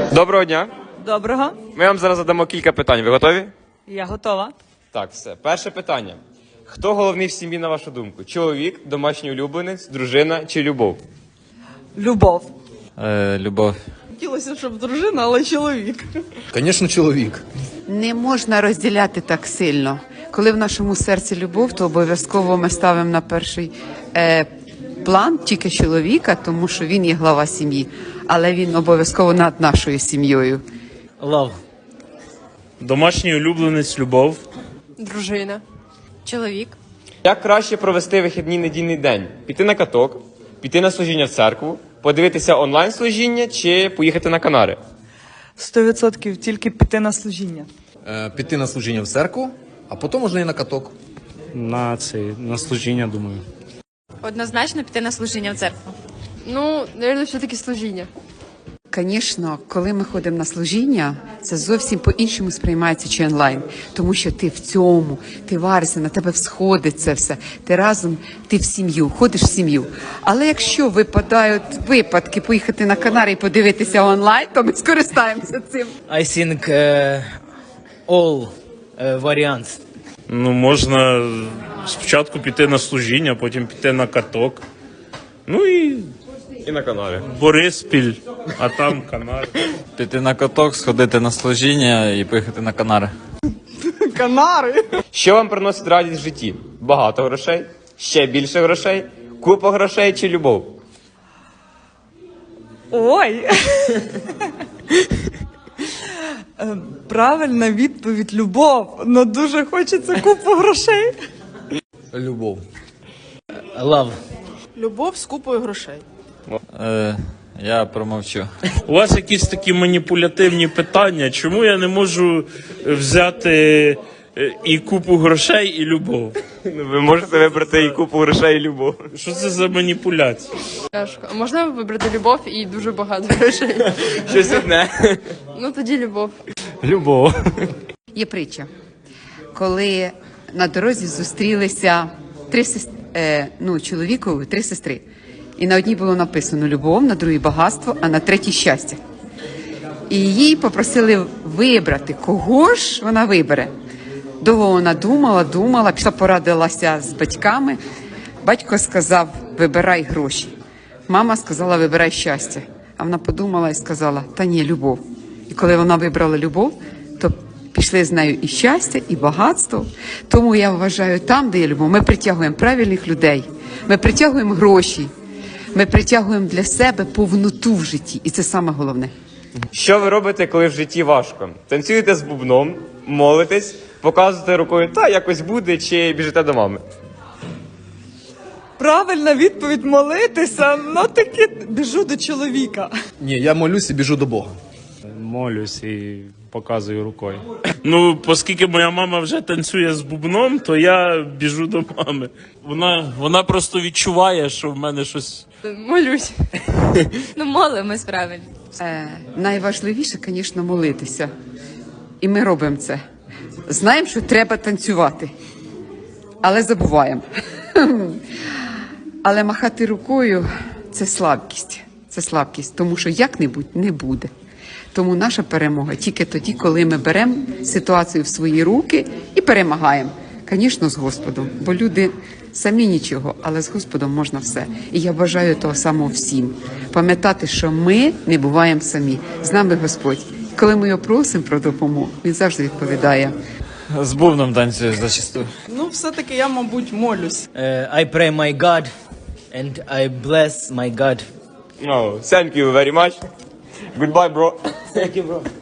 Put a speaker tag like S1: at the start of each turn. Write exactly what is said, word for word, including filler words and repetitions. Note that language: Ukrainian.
S1: Доброго дня.
S2: Доброго.
S1: Ми вам зараз задамо кілька питань. Ви готові?
S2: Я готова.
S1: Так, все. Перше питання. Хто головний в сім'ї, на вашу думку? Чоловік, домашній улюбленець, дружина чи любов?
S2: Любов.
S3: Е, любов.
S2: Хотілося, щоб дружина, але чоловік.
S4: Звісно, чоловік.
S5: Не можна розділяти так сильно. Коли в нашому серці любов, то обов'язково ми ставимо на перший е, план тільки чоловіка, тому що він є глава сім'ї, але він обов'язково над нашою сім'єю.
S6: Love.
S7: Домашній улюбленець, любов.
S8: Дружина. Чоловік.
S1: Як краще провести вихідний недільний день? Піти на каток, піти на служіння в церкву, подивитися онлайн-служіння чи поїхати на Канари?
S2: Сто відсотків тільки піти на служіння.
S4: Е, піти на служіння в церкву, а потім можна і на каток.
S7: На це, на служіння, думаю.
S8: Однозначно піти на служіння в церкву. Ну, мабуть, все-таки служіння.
S5: Звісно, коли ми ходимо на служіння, це зовсім по-іншому сприймається чи онлайн. Тому що ти в цьому, ти варишся, на тебе всходить це все. Ти разом, ти в сім'ю, ходиш в сім'ю. Але якщо випадають випадки поїхати на Канари і подивитися онлайн, то ми скористаємося цим.
S6: I think uh, all uh, variants.
S7: Ну, можна спочатку піти на служіння, потім піти на каток. Ну і
S1: І на Канари.
S7: Бориспіль, а там Канари.
S3: Піти на каток, сходити на служіння і поїхати на Канари.
S2: Канари.
S1: Що вам приносить радість в житті? Багато грошей? Ще більше грошей? Купа грошей чи любов?
S2: Ой. Е, Правильна відповідь – любов. Но дуже хочеться купу грошей.
S4: Любов.
S6: Love.
S8: Любов з купою грошей.
S3: Е, я промовчу.
S7: У вас якісь такі маніпулятивні питання. Чому я не можу взяти е, і купу грошей, і любов?
S1: Ну, ви можете вибрати і купу грошей, і любов.
S7: Що це за маніпуляція?
S8: Тяжко. А можна вибрати любов і дуже багато грошей?
S1: Щось одне.
S8: Ну, тоді любов.
S7: Любов.
S5: Є притча, коли на дорозі зустрілися три сес- е, ну, чоловікові, три сестри. І на одній було написано любов, на другій багатство, а на третій щастя. І її попросили вибрати, кого ж вона вибере. Довго вона думала, думала, пішла порадилася з батьками. Батько сказав, вибирай гроші. Мама сказала, вибирай щастя. А вона подумала і сказала, та ні, любов. І коли вона вибрала любов, то пішли з нею і щастя, і багатство. Тому я вважаю, там, де є любов, ми притягуємо правильних людей, ми притягуємо гроші, ми притягуємо для себе повноту в житті. І це саме головне.
S1: Що ви робите, коли в житті важко? Танцюєте з бубном, молитесь, показуєте рукою, та якось буде, чи біжите до мами?
S2: Правильна відповідь – молитися, но таки біжу до чоловіка.
S4: Ні, я молюсь і біжу до Бога.
S7: Молюсь і показую рукою. Ну, оскільки моя мама вже танцює з бубном, то я біжу до мами. Вона, вона просто відчуває, що в мене щось...
S8: Молюсь. Ну, молимось правильно.
S5: Е, найважливіше, звісно, молитися. І ми робимо це. Знаємо, що треба танцювати, але забуваємо. Але махати рукою – це слабкість. Це слабкість, тому що як-небудь не буде. Тому наша перемога тільки тоді, коли ми беремо ситуацію в свої руки і перемагаємо. Звісно, з Господом, бо люди самі нічого, але з Господом можна все. І я бажаю того самого всім. Пам'ятати, що ми не буваємо самі. З нами Господь. Коли ми його просимо про допомогу, він завжди відповідає.
S3: З бубном танцюю зачасту.
S2: Ну, все-таки я, мабуть, молюсь.
S6: Uh, I pray my God and I bless my God.
S1: Oh, thank you very much. Goodbye, bro.
S6: Thank you, bro.